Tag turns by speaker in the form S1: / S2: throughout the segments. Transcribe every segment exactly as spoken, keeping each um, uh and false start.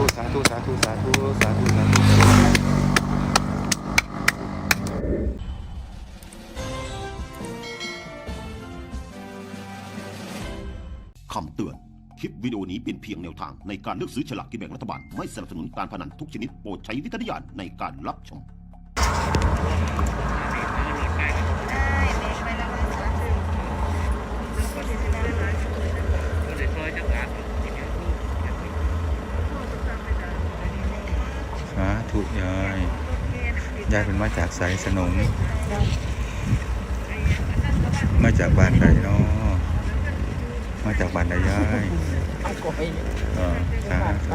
S1: ธุสาธุสาธุสาธุสาธุสาธุ
S2: คำเตือนคลิปวิดีโอนี้เป็นเพียงแนวทางในการเลือกซื้อฉลากกินแบ่งรัฐบาลไม่สนับสนุนการพนันทุกชนิดโปรดใช้วิจารณญาณในการรับชม
S1: สาธุยายยายเป็นมาจากไสสนมมาจากบ้านใดเนาะมาจากบ้านใดยายเออสาธุ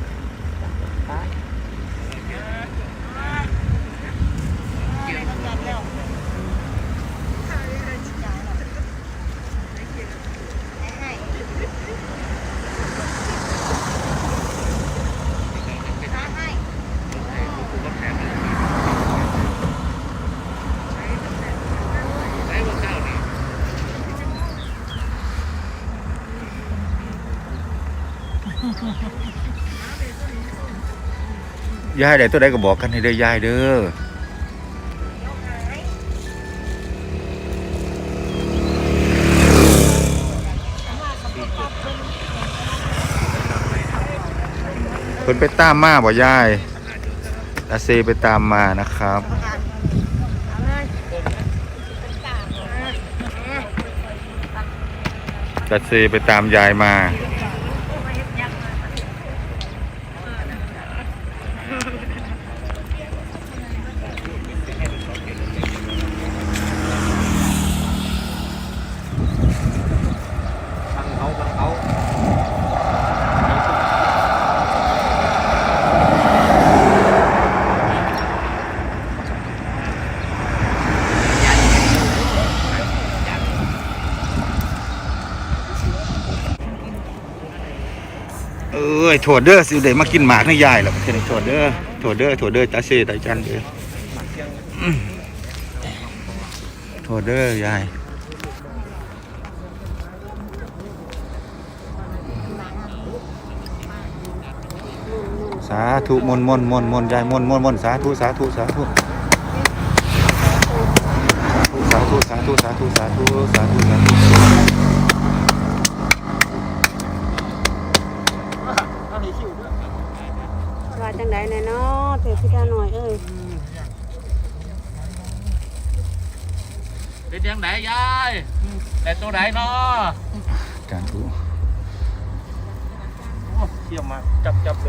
S1: ยายได้ตัวใดก็บอกกันให้เด้อยายเด้อเพิ่นไปตามมาบ่ยายตาเซไปตามมานะครับตาเซไปตามยายมาเอ้ยโถดเด้อสิได้มากินหมากนี่ยายหรอกแค่นี้โถดเด้อโถดเด้อโถดเด้อตาเซตาจันเด้อโถดเด้อยายสาธุมนต์มนต์มนต์มนต์ยายมนต์มนต์มนต์สาธุสาธุสาธุสาธุสาธุสาธุสาธุสาธุสาธุ
S3: ว่าจังได๋แน่เนาะเถิดพี่ตาหน่อยเอ้ย
S4: เป็นยังไงยายแต่ตัวไหนเนาะ
S1: การถูก
S4: เขี่ยมาจับจับเลย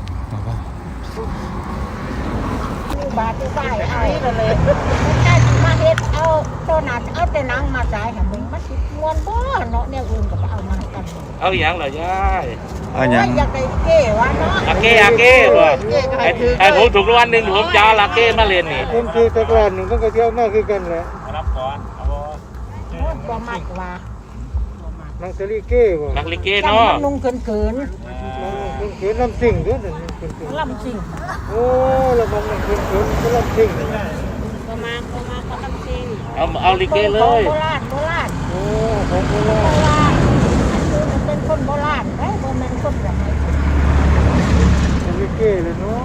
S3: บาดที่ใส่ไอ้เลยได้มาเฮ็ดเอาตัวนั้นเอาแต่หนังมาใส่ให้มึงมันสิม่วนบ่เนาะแนวอื่นก็เอามากัน
S4: เอาหยังล่ะยาย
S1: เอาหยัง
S3: อยากได้เก้วะเนาะ
S4: อาเก้อาเก้บ่ไอ้ผมถูกรางวัลหนึ่งผมจะเอาอาเก้มาเล่นนี่
S5: ผมคือตะกร้าหนึ่งต้องกระเที่ยวมากคือกันแหละ
S4: รับก่อนเอาบ่
S3: บ่มักว่า
S5: นังสลีเก้บ่
S4: นักลิเก้เนาะ
S3: นุ่งเขิน
S5: ๆนุ่งเขินลำซิ่งด้วยนั่นเขิน
S3: ๆลำซิ่ง
S5: โอ้ละมันเขินเขินก็ลำซิ่ง
S3: บ่มาบ่มาก็ลำซิ่ง
S4: เอาเอาลิเก้เลย
S3: โบราณโบราณ
S5: โอ้ของโบราณ
S3: เป็นคนโบราณเด้อบ่แม่นคนแบบนี้
S5: สลีเก้เลยเนาะ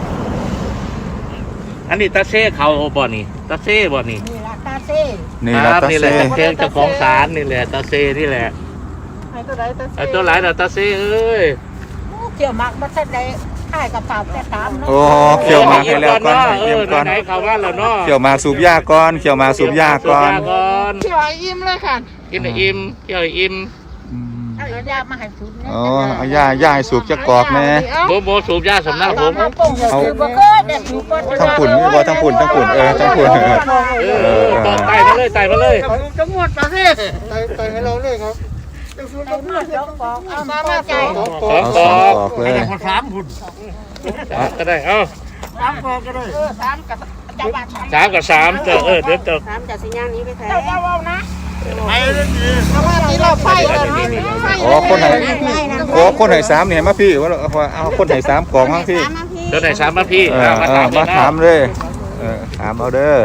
S4: อันนี้ตาเซ่เขาบ่นี่ตาเซ่บ่นี่
S3: นี่ล่ะตาเซ่
S1: นี่ล่ะตาเซ่
S4: เพลงเจ้าของศาลนี่แหละตาเซ่นี่แหละ
S3: ไอ้ตัวไหนตาเซ่
S4: ไอ้ตัวไหนน่ะตาเซ่เอ้ย
S3: เกี่ยวมักบ่ทันได้ถ่ายกระเป๋าแต่ตามเนาะ
S1: โอ้เขี่ยวมาให้แล้วก่อน
S4: เยี่ยมก่อนไหนเขาว่าแล้วเนาะ
S1: เขี่ยวมาสูบยาก่อนเขี่ยวมาสูบยาก่อน
S3: เขี่ยวอิ่มเลยค่ะ
S4: กินอิ่มเขี่ยวอิ่ม
S3: เอายามาให้สูบ
S1: เนี่ยอ๋อเอายายาให้สูบจักกอกแน่
S4: โบโบสูบยาสำนักผม
S1: เอาทั้งปุ่นนี่บ่ทั้งปุ่นทั้งปุ่นเออทั้งปุ่น
S4: เออต่อไต่มาเลยไต่มาเลย
S5: จังหวัดตาเซ่ไต่ไต่ให้เราเลยครับ
S3: สองกอกเอามาใจ
S4: สองกอกเลยคนสามพุ่นก็ได้เอ้า
S3: สามกอกก็ได้เออสามกับจังหวัด
S4: สามกับสามเจอเออเดี๋ยวเจอ
S3: สามจากสิย่างนี้ไปแท้เจ้าเจ้าเอานะ
S5: ไปเลยดี
S3: เพราะว่าที่เราไฟเลย
S1: อ๋อคนไหนโอ้คนไหนสามเนี่ยมาพี่ว่าเอาคนไหนสามกองมาพี่
S4: เดี๋ยวไหนสามมาพี่
S1: มาถามเลยถามเอาเด้อ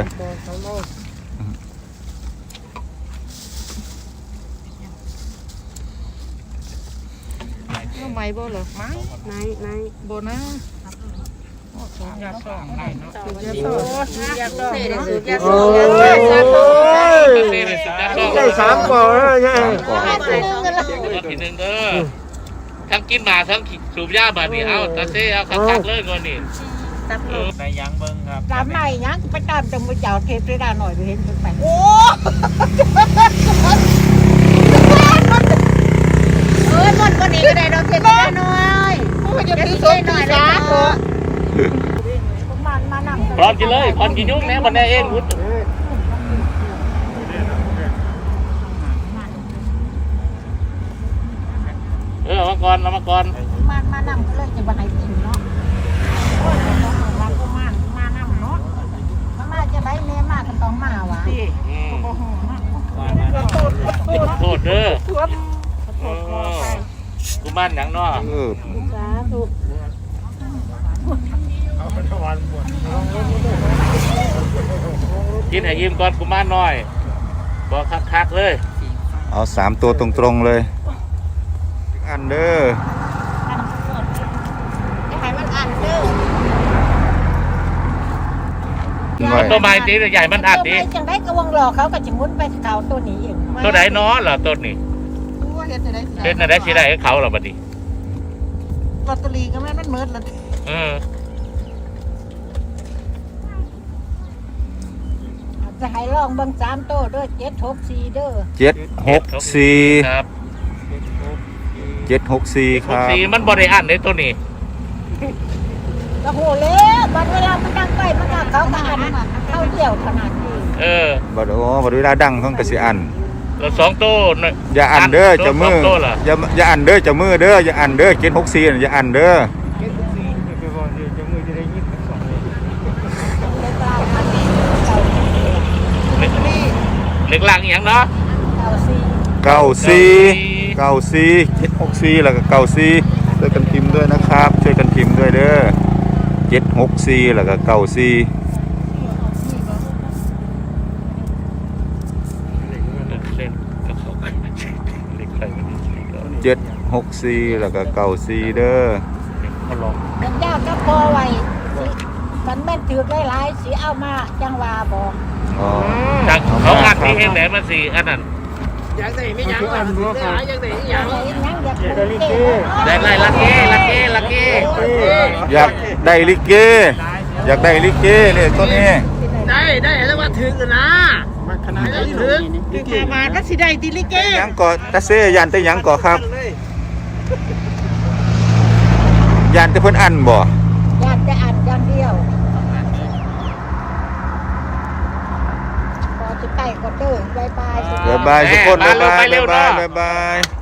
S3: เ
S6: ทำไมบ่เหรอไม้ไหนไหนบ่นะสูงยาสองไหนเนาะสูงยาสองสูงยาสองสูงยาส
S5: โอ้
S6: องยาสอง
S5: ยได้สามก่อนแล้วใช่
S4: ตัวที่หนึ่งเด้อทั้งกินหมาทั้งสูบยาบาดนี่เอาตาเซ่เอาคักๆเลยก่อนนี่
S6: ในยังเบิ่งครับ
S3: ตามไหนยังไปตามจังมือเจ้าเทพได้ดาหน่อยไปเห็นเพิ่นไปโอ้เอ้ยมันบ่นี่ก็ได้ดอกเทพได้หน่อยโอ้ยจะซื้อสดหน่อยเลยนะมันมานำ
S4: พร้อมกินเลยพร้อมกินยุ่งแน่บันไดเองพุทธเออมาก่อนเอามาก่อน
S3: มันมานำก็เลยจะบ่ให้กินเนาะโอ้ยเราก็มานมานำเนาะมาจะได้แม่มาก็ต้องมาวะ
S4: อืมโทษเด้อเออกูบ้านหยังเนาะ
S1: เออ
S4: กินให้ยิ้มก่อนกูบ้านน้อยบอกคักๆเลย
S1: เอาสามตัวตรงๆเลยอันเด้อ
S3: จะให้มันอันเด้อ
S4: มันตัวใหม่ตีใหญ่มันอัดดี
S3: จังได้กระวงหลอกเขาก็จะมุนไปเขาตัวนี้เอง
S4: ตัวไหนน้อเหรอต้นนี่เป็นอะไรสิได้ให้เขาเหรอบัดนี้
S6: ลอตเตอรี่ก็แม่นมันเมิดแล้ว
S4: เออ
S3: จะให้ลองเบิ่งสามโต้เด้อเจ็ดหกสี่เด้อ
S1: เจ็ดหกสี่
S4: ครับ
S1: เจ็ดหกสี่ค
S4: หก
S1: รับ
S4: สี่มันบริอันในตัวนี้
S3: โอ้โหแล้วบัดเวลามันดังไปมันก็เขาก็อันเข้าเดี่ยวขนาดนี้
S4: เออ
S1: บัดโอ้บัดเวลาดังเพิ่นก็สิอัน
S4: แล้วสองตัวน่ะ
S1: อย่าอันเด้อเจะมือ
S4: สงตัวเหรอ
S1: อย่าอย่าอันเด้อเจะมือเด้ออย่าอันเด้อเจ็ดหกสี่อย่าอันเด้อ
S5: เจ็ดสิบสี่จะบอกเดี๋ยวจะมือจะได้ยิบสองเลย
S3: เลยกลายมาเป็นเก้าสี่
S4: เล็กเล็กล่างอหย่างเนาะ
S3: เก้าสี่
S1: เก้าสี่เก้าสี่เจ็ดหกสี่แล้วก็เก้าสี่ช่วยกันพิมพ์ด้วยนะครับ ช่วยกันพิมพ์ด้วยเด้อเจ็ดหกสี่แล้วก็เก้าสี่
S4: เล่นกับเขาเล็กใครไม่ดีก็
S1: เจ็ดหกสี่แล้วก็เก้าสี่เด้อ
S4: เขาลอง
S3: เป็นเจ้าก็พอไว้สิกันแม่นถือหลายๆสิเอามาจังว่าบอก
S1: อ๋อ
S4: จากเขาอัดที่เฮงแหลมมาสี่อันนั้น
S6: อยากได้ไม่ยังอยากได้อยากได้
S3: อยากได้หยังอยากได้ลิเก
S4: ได้ไล่ลักเก้ลักเก้ลักเก้
S1: อยากได้ลิเก อยากได้ลิเกเนี่ยตัวนี้
S6: ได้ได้แล้วว่าถึงกันนะมันขนาดนี้ถึงถึงมาก็สิได้ดิลิเก
S1: หยังก่อตาเซยันแต่หยังก่อครับยันแต่เพิ่นอันบ่
S3: อยากจะอ่านอย่างเดียวพอจะใกล้ก็เด้อบายบายสิ
S1: บ๊ายบายทุกคนบ๊ายบายบ๊ายบายบ๊ายบาย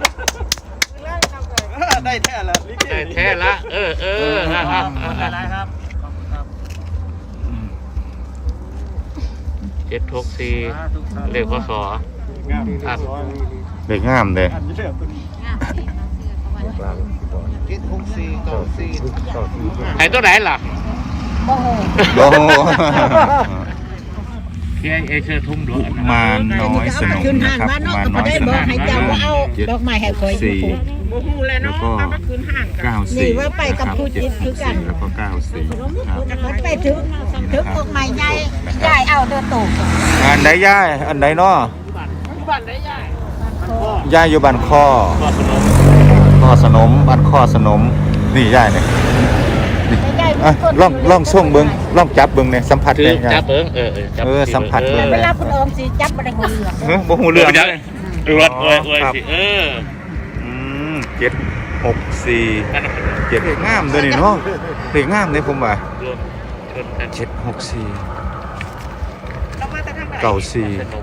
S5: ได้แท้ละลิเก
S4: ได้แท้ละเออเอออ่ะอ่ะอ่ะอ่ะ
S6: ได้ครับ
S4: เจ็ดหกสี่เลขพศอัด
S1: เด็กงามเลย
S5: เจ็ดหกสี่เก้าสี่เก้าสี่
S4: ไหนตัวไหนล่ะ
S3: โอ้โห
S1: โอ้โห
S4: พี่ไอเอเชอร์ทุ่มดวง
S1: มาน้อยสนุกนะครับมาน้อยสนุก
S3: ให้เจ้าว่าเอาดอกไม้ให้คอย
S1: สี่
S6: โมหูแล้ว
S1: แล้ว
S6: เนาะ
S1: ก็
S6: เอามาคืนห้างกัน
S1: เก้าสี่นะครับเจ็ดหกสี่แล้วก็เก้าสี่ครับ
S3: มันไปถึงถึงดอกไม้ใหญ่ใหญ่เอาเดินตก
S1: อันไหนย่ายอันไหนเนาะ
S6: บ้านได้ใหญ่
S1: ย่ายอยู่บ้านข้อ
S4: ก็ขนม
S1: ข้อสนมบ้านข้อสนมนี่ย่ายเนี่ยนี่อ่ะลองลองส่งเบิ้งลองจับเบิ้งเนี่ยสัมผัส
S4: คือ
S1: เนี่ย
S4: จับเบิ้งเออเออจับ
S1: เออสัมผัส
S4: เอ
S1: เบิ่
S4: อง
S3: เวลาคุณออมสิจับบ่ได้หัวเหลือง
S1: เฮ้ยบ่หูเรื่อง
S4: จับอวดอวยอวยสิเออ
S1: อืมเจ็ดหกสี่
S4: นั่นน่ะ
S1: เจ็ดงามเลยนี่เนาะเด็กงามเลยผมว่าร
S4: วมชนกัน
S1: เจ็ดหกสี่
S6: เรามาแต่ทางไหน
S1: เก้าสี่
S4: สนุก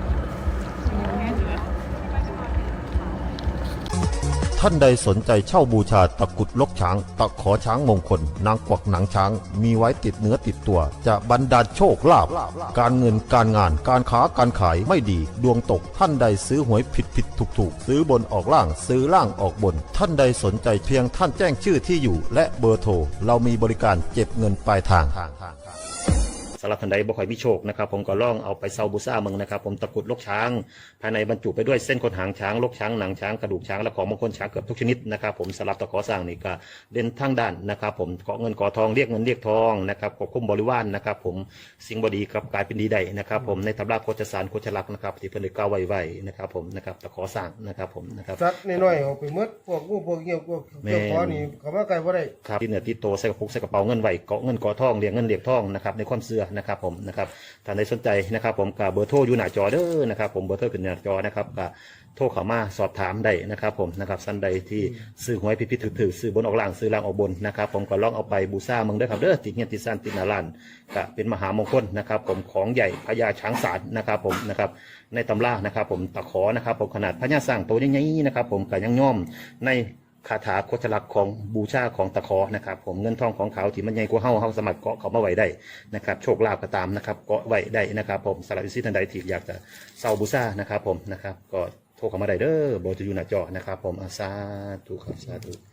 S2: ท่านใดสนใจเช่าบูชาตะกรุดลกช้าง ตะขอช้างมงคล นางกวักหนังช้าง มีไว้ติดเนื้อติดตัว จะบรรดาลโชคลาภการเงินการงานการค้าการขายไม่ดี ดวงตกท่านใดซื้อหวยผิดผิดถูกถูกซื้อบนออกล่างซื้อล่างออกบน ท่านใดสนใจเพียงท่านแจ้งชื่อที่อยู่ และเบอร์โทรเรามีบริการเก็บเงินปลายทางสำหรับท่านใดบ่ค่อยมีโชคนะครับผมก็ลองเอาไปเซาบูซ่าเมืองนะครับผมตะกุดลกช้างภายในบรรจุไปด้วยเส้นขนหางช้างลกช้างหนังช้างกระดูกช้างและของมงคลช้างเกือบทุกชนิดนะครับผมสำหรับตะขอสร้างนี่ก็เด่นทั้งด้านนะครับผมเกาะเงินเกาะทองเรียกเงินเรียกทองนะครับควบคุมบริวารนะครับผมสิ่งบดีกับกลายเป็นดีได้นะครับผมในตำราโคจสารโคจลักษณ์นะครับที่เพิ่นได้กล่าวไว้ไว้นะครับผมนะครับตะขอสร้างนะครับผมนะครับ
S5: สัตว์น้อยๆออกไปหมดพวกงูพวกเงี้ยวพวกเจ้าของนี่เขามาไกลบ่ได้
S2: ครับที่เหนือที่โตใส่กระปุกใส่กระเป๋าเงินไว้เกาะเงินเกาะทองเรียกเงินเรียกทองนะครับในความเชื่อนะครับผมนะครับท่านใดสนใจนะครับผมกับเบอร์โทรอยู่หน้าจอเด้อนะครับผมเบอร์โทรขึ้นหน้าจอนะครับกับโทรเข้ามาสอบถามได้นะครับผมนะครับท่านใดที่ซื้อหวยพิพิธถือซื้อบนออกล่างซื้อล่างออกบนนะครับผมก็ลองเอาไปบูชาเมืองเด้อครับเด้อติดเงี้ยติดซ่านติดนาลานก็เป็นมหามงคลนะครับผมของใหญ่พญาช้างศาลนะครับผมนะครับในตำรานะครับผมตะขอนะครับผมขนาดพญาสร้างตัวใหญ่ๆนะครับผมก็ยังย่อมในคาถาโคจลักษณ์ของบูชาของตะขอนะครับผมเงินทองของเขาที่มันใหญ่กว่าเฮาเฮาสามารถเกาะเขามาไว้ได้นะครับโชคลาภก็ตามนะครับเกาะไว้ได้นะครับผมสำหรับวิสิทันใดที่อยากจะเซาบูชานะครับผมนะครับก็โทรเข้ามาได้เด้อเบอร์จะอยู่หน้าจอนะครับผมอาสาธุครับสาธุ